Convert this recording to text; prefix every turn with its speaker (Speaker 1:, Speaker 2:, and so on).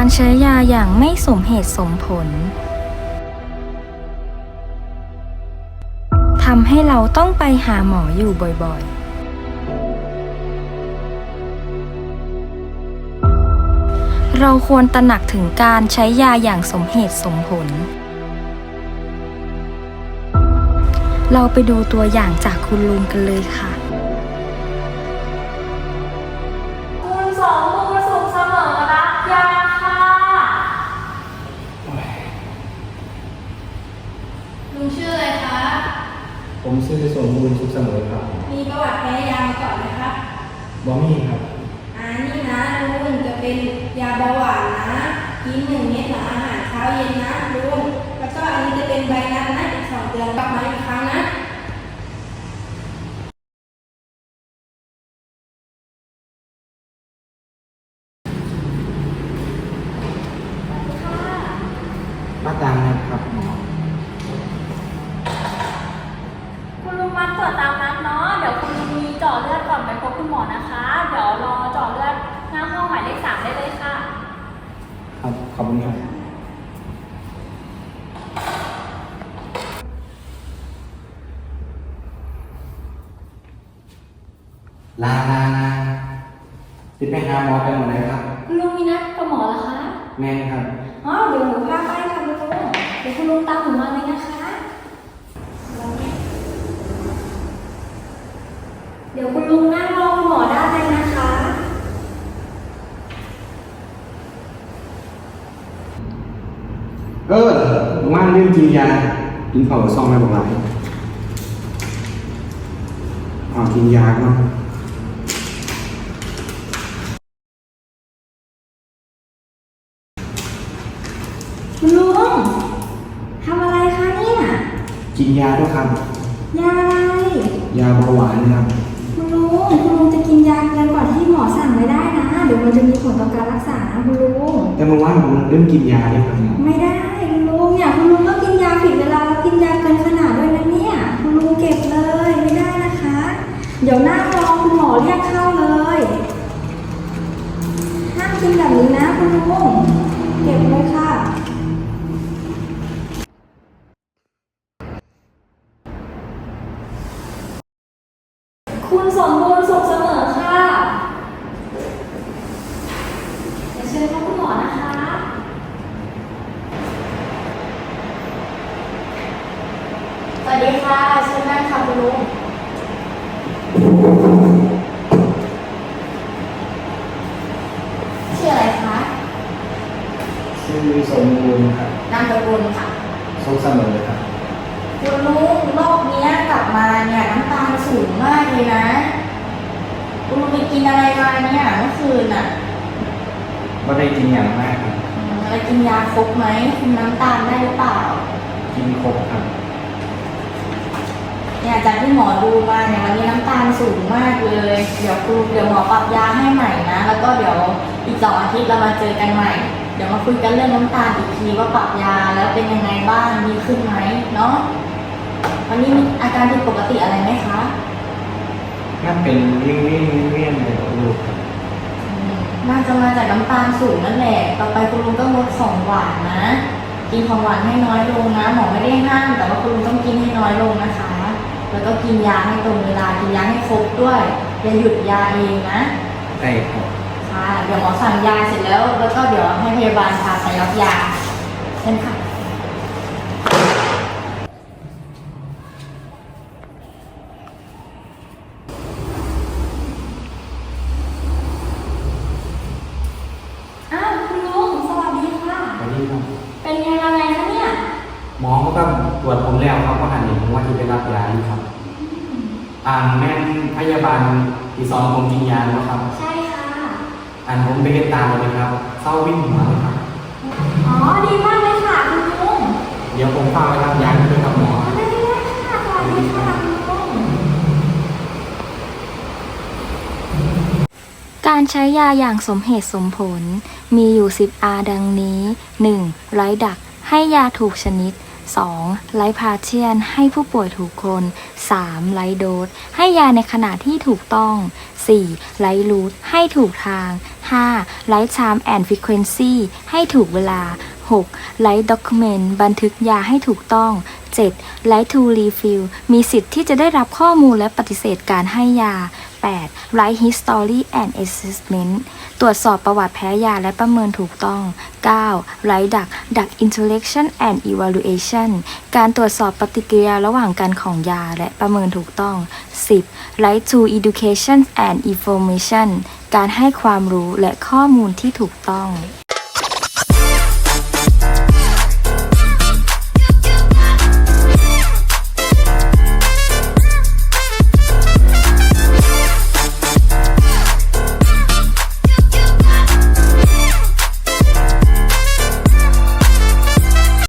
Speaker 1: การใช้ยาอย่างไม่สมเหตุสมผลทำให้เราต้องไปหาหมออยู่บ่อยๆเราควรตระหนักถึงการใช้ยาอย่างสมเหตุสมผลเราไปดูตัวอย่างจากคุณลุงกันเลยค่ะ
Speaker 2: คุณสองมือสุขเสมอรับยาค่ะลุงชื่ออะไรคะ
Speaker 3: ผมชื่อสมบูรณ์สุขเสมอครับ
Speaker 2: มีประวัติแพ้ยามาก่อนไหมครับ
Speaker 3: บอมี่ครับ
Speaker 2: นี่นะลุงจะเป็นยาเบาหวานนะกิน1 เม็ดหลังอาหารเช้าเย็นนะลุงแล้วก็อันนี้จะเป็นใบนัดนะอีก2 เดือนกลับมาอีกครั้งนะ
Speaker 3: มาตามนะครับหมอ
Speaker 2: คุณลุงมาตรวจตามนัดเนาะเดี๋ยวคุณลุงมีเจาะเลือดก่อนไปพบคุณหมอนะคะเดี๋ยวรอเจาะเลือดหน้าห้องหมายเลข 3ได้เลยค่ะ
Speaker 3: ครับขอบคุณครับลาติดไปหาหมอไปหมดเลยครับ
Speaker 2: คุณลุงมีนัดกับหมอเหรอคะ
Speaker 3: แม่ครับ
Speaker 2: เดี๋ยวหนูพาไปค่ะคุณลุงเดี๋ยวคุณลุงตามหนูมาเลยนะคะเดี๋ยวคุณลุงนั่งรอคุณหมอได้เลยนะคะ
Speaker 3: ว่างเรื่องกินยากินเผาซองอะไรบอกไรกินยาก่อน
Speaker 2: คุณลุงทำอะไรคะเนี่ย
Speaker 3: กินยาด้วยครับ
Speaker 2: ยาอะไร
Speaker 3: ยาเบาหวานนะครับ
Speaker 2: คุณลุงจะกินยาเกินกว่าที่หมอสั่งไม่ได้นะเดี๋ยวมันจะมีผลต่อการรักษานะคุณลุง
Speaker 3: แต่เมื่อวานผมเริ่มกินยาเลยครับ
Speaker 2: ไม่ได้คุณลุงเนี่ยคุณลุงก็กินยาผิดเวลาแล้วกินยาเกินขนาดด้วยนะเนี่ยคุณลุงเก็บเลยไม่ได้นะคะเดี๋ยวนั่งรอคุณหมอเรียกเข้าเลยห้ามกินแบบนี้นะคุณลุงเก็บเลยค่ะคุณสมบูรณ์สุขเสมอค่ะเดี๋ยวเชิญคุณหมอนะคะสวัสดีค่ะเชิญนั่งค่ะคุณลุงชื่ออะไรคะ
Speaker 3: ชื่อสมบูรณ์ครับ
Speaker 2: นามสกุลค่ะ
Speaker 3: สุขเสมอครับ
Speaker 2: คุณลุงโรคนี้กลับมาเนี่ยน้ำตาลสูงมากเลยนะคุณลุงไปกินอะไรมาเนี่ยเมื่อคืน
Speaker 3: ไม่ได้กินอย่างมากครับ
Speaker 2: แล้วกินยาครบไหมคุมน้ำตาลได้หรือเปล่า
Speaker 3: กินครบครับ
Speaker 2: เนี่ยจากที่หมอดูมาเนี่ยวันนี้น้ำตาลสูงมากเลยเดี๋ยวหมอปรับยาให้ใหม่นะแล้วก็เดี๋ยวอีก2 อาทิตย์เรามาเจอกันใหม่เดี๋ยวมาคุยกันเรื่องน้ำตาลอีกทีว่าปรับยาแล้วเป็นยังไงบ้างดีขึ้นไหมเนาะวันนี้มีอาการผิดปกติอะไรไหมคะ
Speaker 3: น่าเป็นเลี่ยนเลยลูกครับ
Speaker 2: น่าจะมาจากน้ำตาลสูงนั่นแหละต่อไปคุณลุงก็งดของหวานนะกินของหวานให้น้อยลงนะหมอไม่ได้ห้ามแต่ว่าคุณลุงต้องกินให้น้อยลงนะคะแล้วก็กินยาให้ตรงเวลากินยาให้ครบด้วยอย่าหยุดยาเองนะ
Speaker 3: ใช่ครับ
Speaker 2: ค่ะเดี๋ยวหมอสั่งยาเสร็จแล้วก็เดี๋ยวให้พยาบาลพาไปรับยาเช่นค่ะคุณลุงสวัสดีค่ะ
Speaker 3: สวัสดีครับ
Speaker 2: เป็นยังไงคะเนี่ย
Speaker 3: หมอก็ตรวจผมแล้วครับก็หันเห็นผมว่าที่ไปรับยาอยู่ครับแม่พยาบาลที่2ผมกินยาแล้วครับ
Speaker 2: ใช่ค่ะ
Speaker 3: ผมไปเห็นตาเลยครับเศร้าวิ่งหัวเลยครับ
Speaker 2: ดีมากเลยค่ะคุณลุง
Speaker 3: เดี๋ยวผมพาไปรับยาด้วยครับหมอ
Speaker 2: ได้ค่ะสวัสดีค่ะคุณลุง
Speaker 1: การใช้ยาอย่างสมเหตุสมผลมีอยู่10 R ดังนี้ 1. ไร้ดักให้ยาถูกชนิด 2. ไร้พาเชียนให้ผู้ป่วยถูกคน 3. ไร้โดสให้ยาในขณะที่ถูกต้อง 4. ไร้รูทให้ถูกทาง 5. Write time and frequency ให้ถูกเวลา 6. Write document บันทึกยาให้ถูกต้อง 7. Write to refill มีสิทธิ์ที่จะได้รับข้อมูลและปฏิเสธการให้ยา 8. Write history and assessment ตรวจสอบประวัติแพ้ยาและประเมินถูกต้อง 9. Write DUC interaction and evaluation การตรวจสอบปฏิกิริยาระหว่างกันของยาและประเมินถูกต้อง 10. Write to education and information การให้ความรู้และข้อมูลที่ถูกต้อง